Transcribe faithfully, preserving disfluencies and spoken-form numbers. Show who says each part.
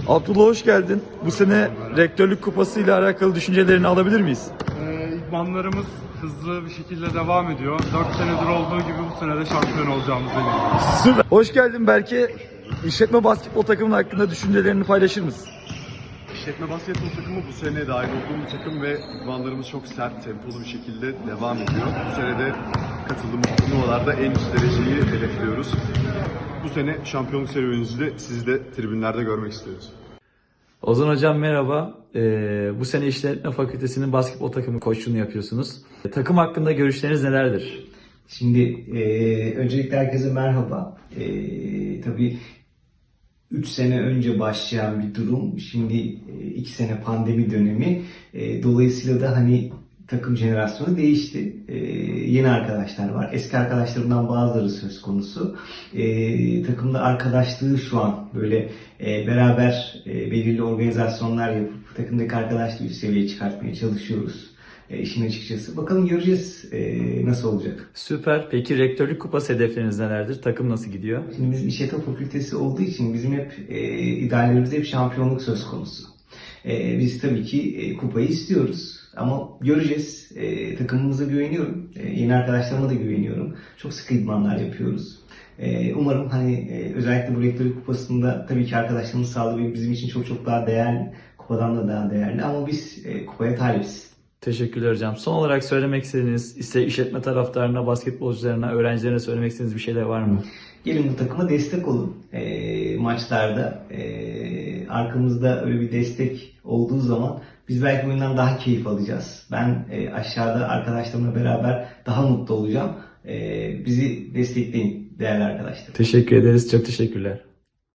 Speaker 1: Abdullah hoş geldin. Bu sene rektörlük kupası ile alakalı düşüncelerini alabilir miyiz?
Speaker 2: Ee, idmanlarımız hızlı bir şekilde devam ediyor. dört senedir olduğu gibi bu sene de şampiyon olacağımıza eminim.
Speaker 1: Süper. Hoş geldin Berke. İşletme basketbol takımının hakkında düşüncelerini paylaşır mısın?
Speaker 3: İşletme basketbol takımı bu sene dahil olduğum bir takım ve idmanlarımız çok sert, tempolu bir şekilde devam ediyor. Bu sene de katıldığımız turnuvalarda en üst dereceyi hedefliyoruz. Bu sene şampiyonluk serüveninizi de sizi de tribünlerde görmek istiyoruz.
Speaker 1: Ozan Hocam merhaba. Ee, bu sene İşletme Fakültesi'nin basketbol takımı koçluğunu yapıyorsunuz. E, takım hakkında görüşleriniz nelerdir?
Speaker 4: Şimdi e, öncelikle herkese merhaba. E, tabii üç sene önce başlayan bir durum. Şimdi iki sene pandemi dönemi. E, dolayısıyla da hani takım jenerasyonu değişti. E, yeni arkadaşlar var. Eski arkadaşlarımdan bazıları söz konusu. E, takımda arkadaşlığı şu an böyle e, beraber e, belirli organizasyonlar yapıp takımdaki arkadaşlığı üst seviyeye çıkartmaya çalışıyoruz. E, işin açıkçası. Bakalım göreceğiz e, nasıl olacak.
Speaker 1: Süper. Peki rektörlük kupası hedefleriniz nelerdir? Takım nasıl gidiyor?
Speaker 4: Şimdi bizim işletme fakültesi olduğu için bizim hep e, ideallerimizde hep şampiyonluk söz konusu. E, biz tabii ki e, kupayı istiyoruz ama göreceğiz. E, takımımıza güveniyorum. E, yeni arkadaşlarıma da güveniyorum. Çok sıkı idmanlar yapıyoruz. E, umarım hani e, özellikle bu rektörlük kupasında tabii ki arkadaşlarımız sağlığı bizim için çok çok daha değerli. Kupadan da daha değerli ama biz e, kupaya talibiz.
Speaker 1: Teşekkürler hocam. Son olarak söylemek istediğiniz, ise işletme taraftarına, basketbolcularına, öğrencilerine söylemek istediğiniz bir şeyler var mı?
Speaker 4: Gelin bu takıma destek olun e, maçlarda. E, arkamızda öyle bir destek olduğu zaman biz belki oyundan daha keyif alacağız. Ben e, aşağıda arkadaşlarımla beraber daha mutlu olacağım. E, bizi destekleyin değerli arkadaşlar.
Speaker 1: Teşekkür ederiz. Çok teşekkürler.